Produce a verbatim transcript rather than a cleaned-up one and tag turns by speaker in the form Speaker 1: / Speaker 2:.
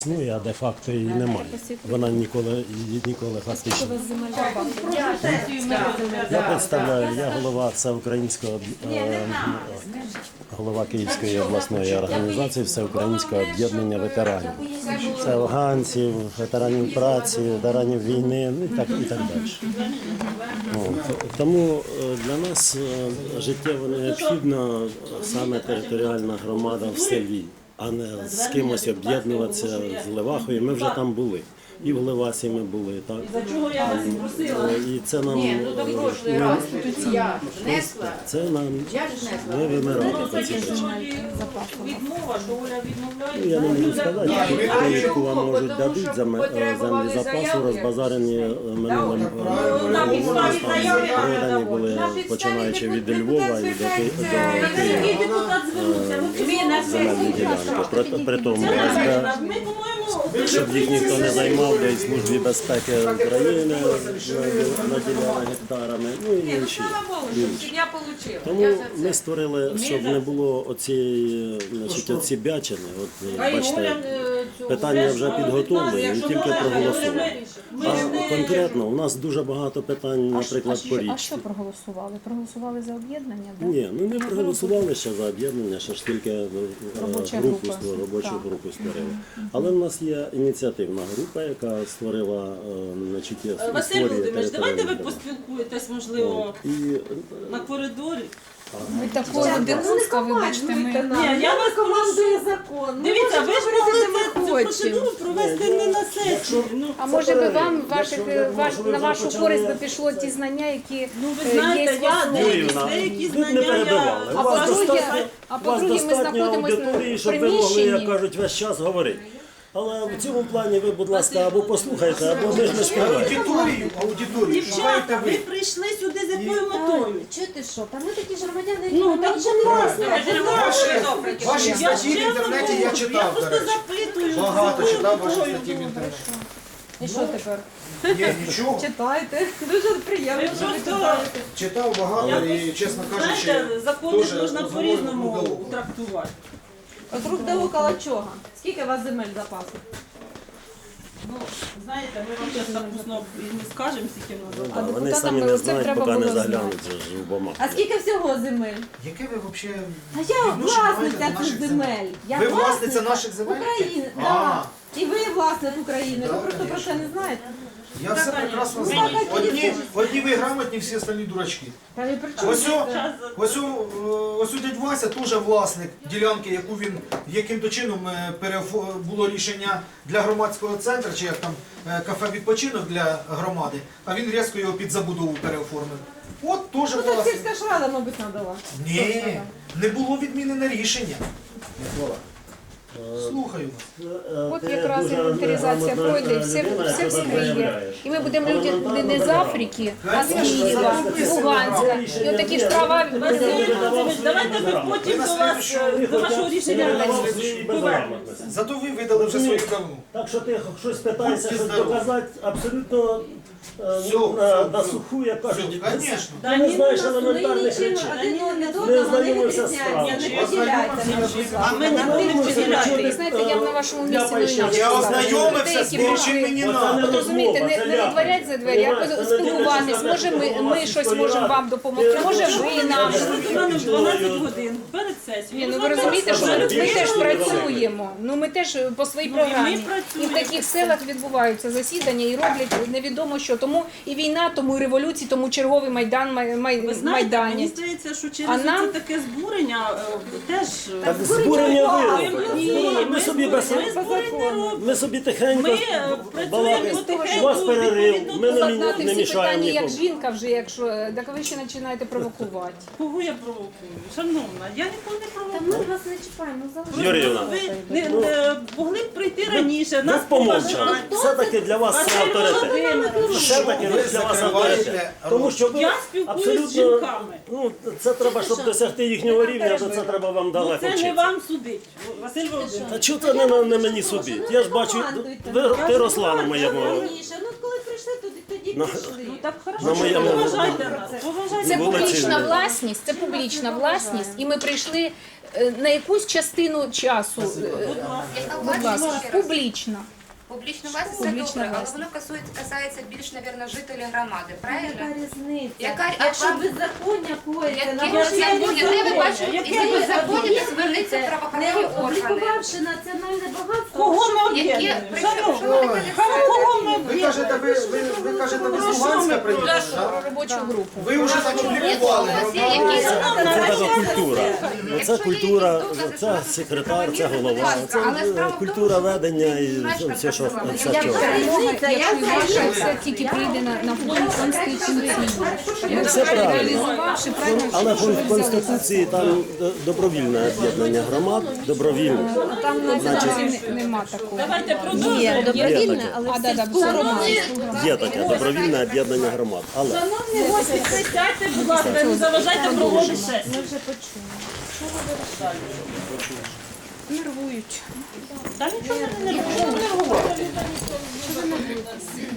Speaker 1: Ну, я де-факто її немає. Вона ніколи, її ніколи фактично. Я представляю, я голова Всеукраїнського, е, голова Київської обласної організації Всеукраїнського об'єднання ветеранів. Це афганців, ветеранів праці, ветеранів війни, ну, і так, і так далі. От. Тому для нас життєво необхідна саме територіальна громада в селі, а не з кимось об'єднуватися з Левахою. Ми вже там були. І в Левасі ми були, так? І це нам... Це нам... Ми вимирали по цій причині. Ну, я не можу сказати, яку вам можуть дадуть землі запасу, розбазарені минулим роком. Продані були, починаючи від Львова і до Києва, земельні ділянки. При тому, щоб їх ніхто не займав, де і Службі безпеки України наділяла гектарами, ну і інші. Тому ми створили, щоб не було оцієї, значить, оці бячини. От, бачите, питання вже підготовлені, і тільки проголосували. А конкретно у нас дуже багато питань, наприклад, по річці.
Speaker 2: А що проголосували? Проголосували за об'єднання? Да?
Speaker 1: Ні, ну не проголосували ще за об'єднання, ще ж тільки групу, робочу групу створили. Але в нас є ініціативна група, яка створила, значить,
Speaker 3: Василь Володимирович, давайте ви поспілкуєтесь, можливо, і... на коридорі.
Speaker 2: Ви такого дивунська, вибачте, ми...
Speaker 3: Ні, я вас командую закон. Дивіться, ви ж могли цю процедуру провести не на сесії.
Speaker 2: А може би вам ваших, ваш, на вашу користь би пішло ті знання, які
Speaker 3: ну, ви знаєте,
Speaker 2: є
Speaker 3: я деякі, деякі знання я...
Speaker 2: А по-друге, а по-друге, ми знаходимося в приміщенні.
Speaker 1: Як кажуть, весь час говорити. Але в цьому плані ви, будь ласка, або послухайте, або ми ж не співаємо.
Speaker 4: Аудиторію, аудиторію.
Speaker 3: Дівчата, ви прийшли сюди з якою метою?
Speaker 5: Чуєте що? Та ми такі ж громадяни, які
Speaker 3: Ну,
Speaker 5: ми
Speaker 3: так
Speaker 5: нічого не
Speaker 3: класно.
Speaker 5: розуміємо.
Speaker 4: Ваші статті в інтернеті я
Speaker 3: Я
Speaker 4: читав, до
Speaker 3: просто
Speaker 4: речі.
Speaker 3: запитую.
Speaker 4: Багато
Speaker 3: з
Speaker 4: читав
Speaker 3: якою
Speaker 4: ваші
Speaker 3: метою.
Speaker 4: статті в інтернеті.
Speaker 2: І що тепер?
Speaker 4: Ні, нічого.
Speaker 2: Читайте. Дуже приємно, що ви читаєте.
Speaker 4: Читав багато і, чесно кажучи,
Speaker 3: Знаєте, закони
Speaker 4: теж
Speaker 3: можна
Speaker 4: з
Speaker 3: по-різному
Speaker 4: головою
Speaker 3: трактувати.
Speaker 2: От рук до около чого? Скільки у вас земель запасу?
Speaker 3: Ну, знаєте, ми вам зараз так усно і не скажемо, скільки в нас.
Speaker 2: А
Speaker 1: Вони
Speaker 2: депутатам
Speaker 1: самі
Speaker 2: би
Speaker 1: не
Speaker 2: оце
Speaker 1: знають,
Speaker 2: треба
Speaker 1: поки не
Speaker 2: було
Speaker 1: заглянуть
Speaker 2: знати.
Speaker 1: же ж в бумагу.
Speaker 2: А скільки всього земель?
Speaker 4: Яке ви взагалі
Speaker 2: А я
Speaker 4: відношення маєте
Speaker 2: власниця
Speaker 4: до
Speaker 2: цих
Speaker 4: наших
Speaker 2: земель. Я
Speaker 4: Ви власниця наших земель?
Speaker 2: України,
Speaker 4: А.
Speaker 2: так. І ви власник України.
Speaker 4: Да,
Speaker 2: Ви просто про
Speaker 4: конечно.
Speaker 2: це не знаєте.
Speaker 4: Я все прекрасно
Speaker 2: Ну,
Speaker 4: знаю.
Speaker 2: так, а
Speaker 4: Одні, одні ви грамотні, всі остальні дурачки.
Speaker 2: Та ви при чому?
Speaker 4: Ось о- ось о, е, ось у дядь Вася теж власник ділянки, яку він яким-то чином е, перефо- було рішення для громадського центру, чи як там е, кафе відпочинок для громади, а він різко його під забудову переоформив. От теж
Speaker 2: Ну так
Speaker 4: власник.
Speaker 2: сільська ж рада, мабуть, надала.
Speaker 4: Ні, не було відмінене рішення. Слухаю вас.
Speaker 2: От якраз інвентаризація пройде, і все, все вскриє. І ми будемо люди не- не з Африки, а з Києва, Луганська. І от такі ж права
Speaker 3: Василь, давайте ми потім до вас, до вашого рішення повернемося.
Speaker 4: Зато ви видали вже свою давну.
Speaker 1: Так що ти щось питаєшся, щось доказати, абсолютно е,
Speaker 4: Все,
Speaker 1: на,
Speaker 4: все,
Speaker 1: на
Speaker 4: все.
Speaker 1: суху, як кажуть,
Speaker 4: Все, конечно.
Speaker 1: ти не знаєш елементарних
Speaker 2: Ми
Speaker 1: речей.
Speaker 2: один один
Speaker 1: Не
Speaker 2: одного не
Speaker 1: знайомився з
Speaker 2: відрізняємося, не
Speaker 1: справою.
Speaker 2: поділяйте нас, будь ласка.
Speaker 3: А ми не будемо
Speaker 2: Ви
Speaker 3: поділяти.
Speaker 2: знаєте, я б на вашому місці не інакше
Speaker 4: Я
Speaker 2: сказала.
Speaker 4: ознайомився з
Speaker 2: Деякі
Speaker 4: тим, чим мені
Speaker 1: Оце
Speaker 4: треба.
Speaker 1: не
Speaker 2: От розумієте, не, не
Speaker 1: розмова,
Speaker 2: відворять за двері, а
Speaker 1: це
Speaker 2: спілкуватись. Може ми, ми щось можемо вам допомогти, може ви нам.
Speaker 3: У мене в дванадцять годин перед
Speaker 2: Ні,
Speaker 3: сесією.
Speaker 2: ну ви розумієте, що ми, ми теж працюємо. Ну ми теж по своїй
Speaker 3: Ну, і ми
Speaker 2: програмі. І
Speaker 3: працюємо.
Speaker 2: в таких селах відбуваються засідання і роблять невідомо що. Тому і війна, тому і революції, тому черговий майдан май, май,
Speaker 3: Ви знаєте, мені
Speaker 2: майдані.
Speaker 3: здається, що
Speaker 2: А
Speaker 3: через
Speaker 2: нам-
Speaker 3: це таке збурення е, теж...
Speaker 1: Так збурення ви
Speaker 3: Ні,
Speaker 1: робите. Ми
Speaker 3: ми
Speaker 1: собі без...
Speaker 3: збурень не робимо.
Speaker 1: Ми собі тихенько
Speaker 3: Ми е, працюємо
Speaker 1: балакаємо.
Speaker 3: потихеньку.
Speaker 1: У вас перерив,
Speaker 3: відповідно
Speaker 1: ми
Speaker 3: до
Speaker 1: не,
Speaker 2: Знати
Speaker 1: не
Speaker 2: всі
Speaker 1: мішаємо
Speaker 2: питання, як
Speaker 1: нікому.
Speaker 2: жінка вже, якщо так ви ще починаєте провокувати.
Speaker 3: Кого я провокую? Шановна, я нікого не
Speaker 5: Та
Speaker 3: провокую.
Speaker 5: ми вас не чіпаємо, залишимо.
Speaker 1: Юріївна,
Speaker 3: Ви не, не могли б прийти раніше,
Speaker 1: ви
Speaker 3: нас
Speaker 1: помовчали.
Speaker 3: поважають.
Speaker 1: Все-таки для вас це авторитет. Все-таки ви для вас авторитет. Тому що ви
Speaker 3: Я спілкуюсь з
Speaker 1: абсолютно,
Speaker 3: жінками.
Speaker 1: ну, це треба, щоб досягти їхнього рівня, то це треба вам
Speaker 3: Ну,
Speaker 1: далеко
Speaker 3: це не
Speaker 1: вчитися.
Speaker 3: вам судить, Василь Володимирович.
Speaker 1: А чого це не, на- не мені судить? Я ж бачу, ви, ти росла на моєму.
Speaker 5: Раніше, ну коли прийшли, тоді, тоді
Speaker 1: на,
Speaker 3: Ну так
Speaker 1: на
Speaker 3: хорошо, що
Speaker 1: моєму
Speaker 3: поважайте нас. Поважайте.
Speaker 2: Це
Speaker 1: вулиці-
Speaker 2: публічна власність, це публічна власність, і ми прийшли е, на якусь частину часу. е, Будь ласка, публічна.
Speaker 6: Публічна власність це
Speaker 2: Публічна
Speaker 6: добре, але
Speaker 2: власність.
Speaker 6: воно касується, касається більш, мабуть, жителів громади, правильно?
Speaker 5: Яка різниця?
Speaker 6: Яка-
Speaker 5: Якщо
Speaker 6: яка-
Speaker 5: беззаконня коїться,
Speaker 6: Яке
Speaker 5: на
Speaker 3: Я-
Speaker 5: вашій
Speaker 3: я не
Speaker 6: беззаконня? Де ви бачите,
Speaker 3: Яке
Speaker 6: які беззаконня,
Speaker 5: беззаконня?
Speaker 6: то звернеться в
Speaker 5: не
Speaker 6: правоохоронні органи.
Speaker 5: облікувавши національне багатство,
Speaker 3: Кого ми
Speaker 6: Які
Speaker 3: об'єднуємо?
Speaker 6: причому, що
Speaker 3: Шановні,
Speaker 6: ви таке
Speaker 3: кого ми
Speaker 4: Ви кажете, ви, ви, ви кажете, ви з Луганська приїхали,
Speaker 2: Про
Speaker 4: так?
Speaker 2: робочу групу.
Speaker 4: Ви вже там облікували
Speaker 6: Є
Speaker 4: громаду.
Speaker 6: якісь-
Speaker 1: це така культура. Це
Speaker 6: Якщо є
Speaker 1: культура,
Speaker 6: якісь докази,
Speaker 1: це
Speaker 6: що
Speaker 1: секретар, це
Speaker 6: правомірно,
Speaker 1: голова,
Speaker 6: будь ласка, але
Speaker 1: це
Speaker 6: справа в тому,
Speaker 1: культура
Speaker 6: що
Speaker 1: ведення і
Speaker 6: мешканка
Speaker 1: все, що
Speaker 6: села,
Speaker 1: вся
Speaker 6: яка
Speaker 1: цього.
Speaker 2: Перемога, якщо і ваша, це тільки прийде на, на фонд конституційний.
Speaker 1: Ну, все правильно.
Speaker 2: Реалізувавши правильно,
Speaker 1: Але
Speaker 2: що ви
Speaker 1: в
Speaker 2: взяли.
Speaker 1: Конституції там е, добровільне об'єднання громад, добровільне.
Speaker 2: Там на Конституції не- нема такого.
Speaker 3: Давайте продовжуємо.
Speaker 1: Є таке.
Speaker 2: А, да, да, все роман.
Speaker 1: Є таке добровільне об'єднання громад. Але
Speaker 3: Шановні гості, присядьте, будь ласка, не заважайте проводити сесію.
Speaker 5: ми вже почули.
Speaker 2: Нервують.
Speaker 3: Та нічого не нервуйте.